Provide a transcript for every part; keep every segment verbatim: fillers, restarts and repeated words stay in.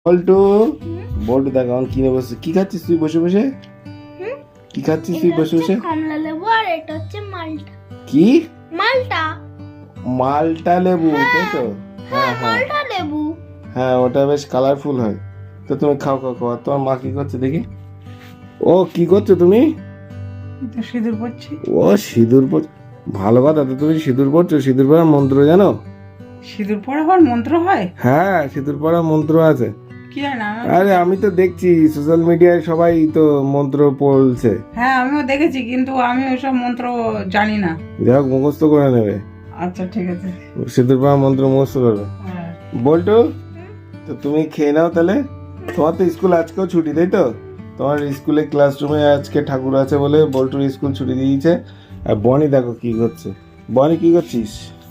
বল্টু বল্টু দেখ এখন কিনে বসে কি খাচ্ছিস তুই বসে বসে কি খাচ্ছিস তুই বসে বসে কমলা লেবু আর এটা হচ্ছে মালটা। কি মালটা মালটা লেবু তাই তো? হ্যাঁ হ্যাঁ মালটা লেবু। হ্যাঁ ওটা বেশ কালারফুল হয়। তো তুমি খাও খাও খাও। আর তোমার মা কি করছে দেখি? ও কি করছো তুমি? তো সিঁদুর পড়ছি। ও সিঁদুর পর ভালো কথা তো, তুমি সিঁদুর পড়ছো। সিঁদুর পড়ার মন্ত্র জানো? সিঁদুর পড়া হওয়ার মন্ত্র হয়? হ্যাঁ সিঁদুর পড়ার মন্ত্র আছে। কি হয় না? আরে আমি তো দেখছি সোশ্যাল মিডিয়ায় সবাই তো মন্ত্র পড়ছে। হ্যাঁ আমিও দেখেছি, কিন্তু আমি ওইসব মন্ত্র জানি না। যাই হোক মুখস্থ করে নেবে। আচ্ছা ঠিক আছে। সিঁদুর পড়ার মন্ত্র মুখস্থ করবে। হ্যাঁ। বল্টু তো তুমি খেয়ে নাও তাহলে। তোমার তো স্কুল আজকেও ছুটি তাই তো? তোমার স্কুলে ক্লাসরুমে আজকে ঠাকুর আছে বলে বল্টুর স্কুল ছুটি দিয়েছে। আর বনি দেখো কি করছে। বনি কি করছিস?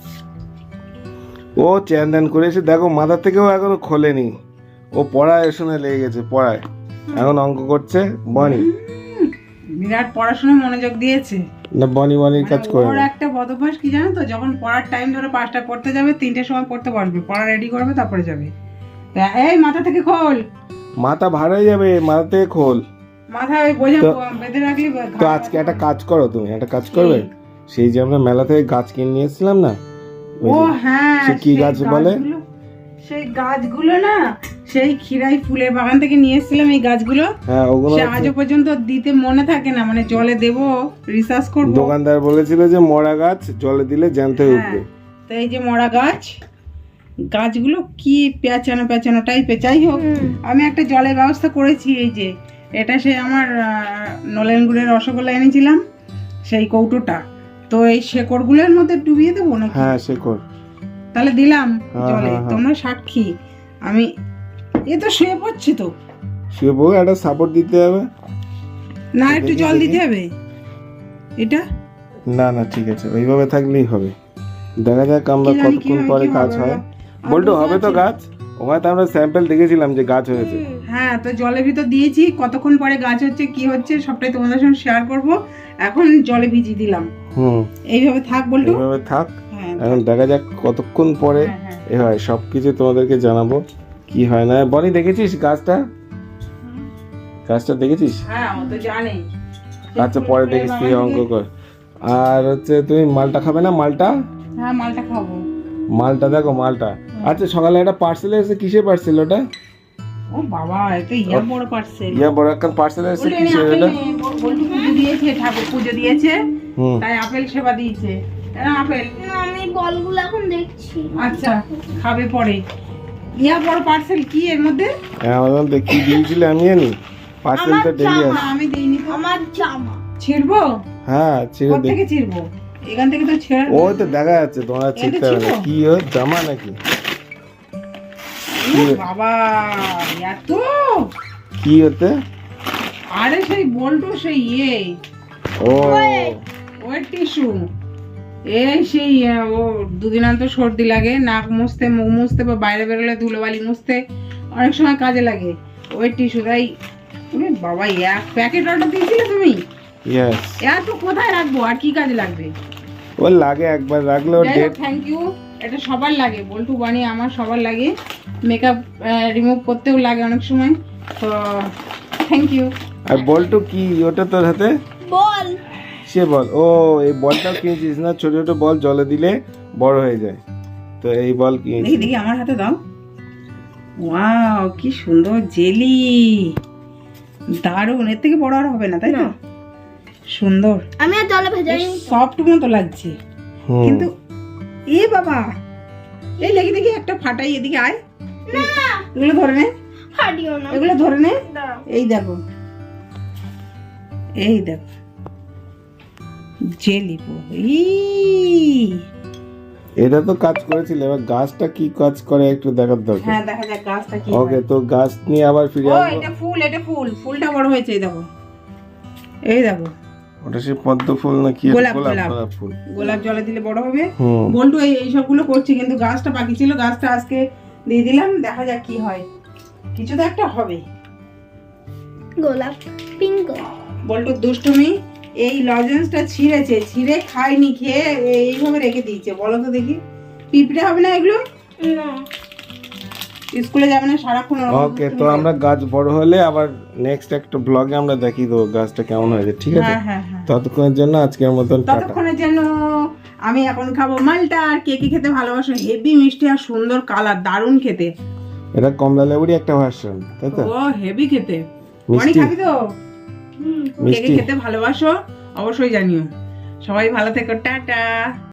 ও চ্যান ধ্যান করে এসে দেখো মাথা থেকেও এখনো খোলেনি। ও পড়ায় শুনে লেগে গেছে পড়ায়, এখন অঙ্ক করছে। বনি হুম, বিরাট পড়াশোনায় মনোযোগ দিয়েছে। না বনি বনির কাজ করে ওর না। একটা বদভ্যাস কি জানো তো, যখন পড়ার টাইম ধরে পাঁচটা পড়তে যাবে, তিনটের সময় পড়তে বসবে, পড়া রেডি করবে তারপরে যাবে। তা এই মাথা থেকে খোল, মাথা ভার হয়ে যাবে, মাথা থেকে খোল। মাথা ওই বোঝা তো- বেঁধে রাখলে তো আজকে একটা কাজ করো, তুমি একটা কাজ করবে। সেই যে আমরা মেলা থেকে গাছ কিনে নিয়ে এসেছিলাম না, ওই ও যে- হ্যাঁ, সে কি সেই গাছ বলে? গাছগুলো- সেই গাছগুলো না, সেই খিরাই ফুলের বাগান থেকে নিয়ে এসেছিলাম এই গাছগুলো। হ্যাঁ ওগুলো সে আজও পর্যন্ত দিতে মনে থাকে না, মানে জলে দেব, রিসার্চ করব। দোকানদার বলেছিল যে মরা গাছ জলে দিলে জ্যান্ত হয়ে উঠবে। তো এই যে মরা গাছ, গাছগুলো কি পেঁচানো পেঁচানো টাইপের। যাই হোক, আমি একটা জলের ব্যবস্থা করেছি। এই যে এটা সে আমার আহ, নলেন গুড়ের রসগোল্লা এনেছিলাম, সেই কৌটোটা। তো এই শেকড়গুলোর মধ্যে ডুবিয়ে দেবো নাকি? হ্যাঁ সে কর। তাহলে দিলাম হ্যাঁ, জলে, হ্যাঁ, হ্যাঁ। তোমরা সাক্ষী। আমি এ তো শুয়ে পড়ছি তো, সে বউ একটা সাপোর্ট দিতে হবে। না একটু দেখি, জল দেখি। দিতে হবে এটা। না না ঠিক আছে, ওইভাবে থাকলেই হবে। দেখা যাক আমরা কি জানি কতক্ষণ কিভাবে পরে কি গাছ হবে হয়। বাবা। বল্টু আর হবে তো বুঝতে গাছ? ওখানে তো আমরা স্যাম্পল দেখেছিলাম যে গাছ হয়েছে। হ্যাঁ, তো জলের ভিতর দিয়েছি, কতক্ষণ পরে গাছ হচ্ছে কি হচ্ছে সবটাই তোমাদের সঙ্গে শেয়ার করব। এখন জলে ভিজিয়ে দিলাম, হুম এইভাবে থাক বলটু। এইভাবে থাক। হ্যাঁ এখন দেখা যাক কতক্ষণ পরে হ্যাঁ, হ্যাঁ। এ হয়, সবকিছু তোমাদেরকে জানাবো কি হয় না। বনি দেখেছিস গাছটা? গাছটা দেখেছিস? হ্যাঁ ও তো জানেই। আচ্ছা পরে দেখিস, তুই অঙ্ক কর। আর হচ্ছে তুমি মালটা খাবে না? মালটা হ্যাঁ মালটা খাবো। মালটা দেখো মালটা। আচ্ছা সকালে একটা পার্সেল এসেছে, কিসের পার্সেল ওটা? ও বাবা, এটা ইয়া বড় পার্সেল। ইয়া বড় একটা পার্সেল এসেছে, বলটু কিসের আপেল ওটা? নিয়ে, বল- বল্টু পুজো দিয়েছে, ঠাকুর পুজো দিয়েছে, হুম তাই আপেল সেবা দিয়েছে। এরা আপেল। না, আমি বলগুলো এখন দেখছি। আচ্ছা খাবে পরে। ইয়া বড় পার্সেল, কি এর মধ্যে? অ্যামাজন থেকে কি দিয়েছিলে আমি জানি। পার্সেলটা আমার দেরি না, আছে। আমি দেইনি তো। আমার জামা। ছিড়বো? হ্যাঁ ছেড়ে দে। কোত্থেকে ছিড়বো? এখান থেকে তো ছেড়ে ওই তো দেখা যাচ্ছে, তোমরা ছিটতে হবে না। ছিল? কি ও জামা নাকি? ও বাবা, এত! কি হতে? আরে সেই বল্টু, সেই ইয়ে ও ওয়েট টিস্যু। এই সেই আহ, ও দুদিন অন্তর সর্দি লাগে, নাক মুছতে, মুখ মুছতে, বা বাইরে বেরোলে ধুলোবালি মুছতে অনেক সময় কাজে লাগে ওয়েট টিস্যু। তাই ওরে বাবা, এক প্যাকেট অর্ডার দিয়েছিলে তুমি? ইয়েস। এত কোথায় রাখবো, আর কি কাজে লাগবে? ও লাগে একবার রাখলে ও ডেট। Thank you. এটা সবার লাগে, বল্টু বানি আমার সবার লাগে, মেকআপ রিমুভ করতেও লাগে অনেক সময়। তো থ্যাংক ইউ। আর বলটু কি ওটা তোর হাতে? বল। সে বল। ও এই বলটাও কিনেছিস না? ছোট ছোট বল জলে দিলে বড় হয়ে যায়, তো এই বল দেখি কিনেছিস। দেখি আমার হাতে দাও। ওয়াও কি সুন্দর জেলি, দারুণ। এর থেকে বড় আর হবে না, তাই না? সুন্দর, আমি আর জলে ভেজাই। সফট মতো লাগছে। হুম কিন্তু এ বাবা, এই দেখি দেখি একটা ফাটাই, এদিকে আয়। না, এগুলো ধরে নে, হাডিও না। এগুলো ধরে নে। দাঁড়াও। এই দেখো, এই দেখো জেলি পো। এটা তো কাজ করেছিল, এবার গাছটা কি কাজ করে একটু দেখার দরকার। হ্যাঁ দেখা যাক গাছটা কি ওকে হয়। তো গাছ নিয়ে আবার ফিরে ও আসবো। এটা ফুল, এটা ফুল, ফুলটা বড় হয়েছে। এই দেখো, এই দেখো ওটা সে পদ্ম ফুল না কি? গোলাপ, গোলাপ গোলাপ। গোলাপ ফুল। গোলাপ জলে দিলে বড় হবে। হুম বল্টু এই এই সবগুলো করছি, কিন্তু গাছটা বাকি ছিল, গাছটা আজকে দিয়ে দিলাম। দেখা যাক কি হয়, কিছু তো একটা হবে। গোলাপ পিঙ্ক। বল্টুর দুষ্টুমি, এই লজেন্সটা ছিঁড়েছে, ছিঁড়ে খায়নি, খেয়ে এইভাবে রেখে দিয়েছে। বলো তো দেখি, পিঁপড়ে হবে না এগুলো? না, স্কুলে যাবে না সারাক্ষণ ওরকম ওকে, তো দুষ্টুমি করে। আমরা গাছ বড় হলে আবার নেক্সট একটা ব্লগে আমরা দেখিয়ে দেবো গাছটা কেমন হয়েছে, ঠিক আছে? হ্যাঁ হ্যাঁ হ্যাঁ ততক্ষণের জন্য আজকের মতন টাটা। ততক্ষণের জন্য আমি এখন খাবো মালটা। আর কে কে খেতে ভালোবাসো? হেভি মিষ্টি আর সুন্দর কালার, দারুণ খেতে। এটা কমলা লেবুরই একটা ভার্সন, তাই তো? ও হেভি খেতে। মিষ্টি? অনেক খাবি তো? কে কে মিষ্টি? খেতে ভালোবাসো অবশ্যই জানিও। সবাই ভালো থেকো, টাটা।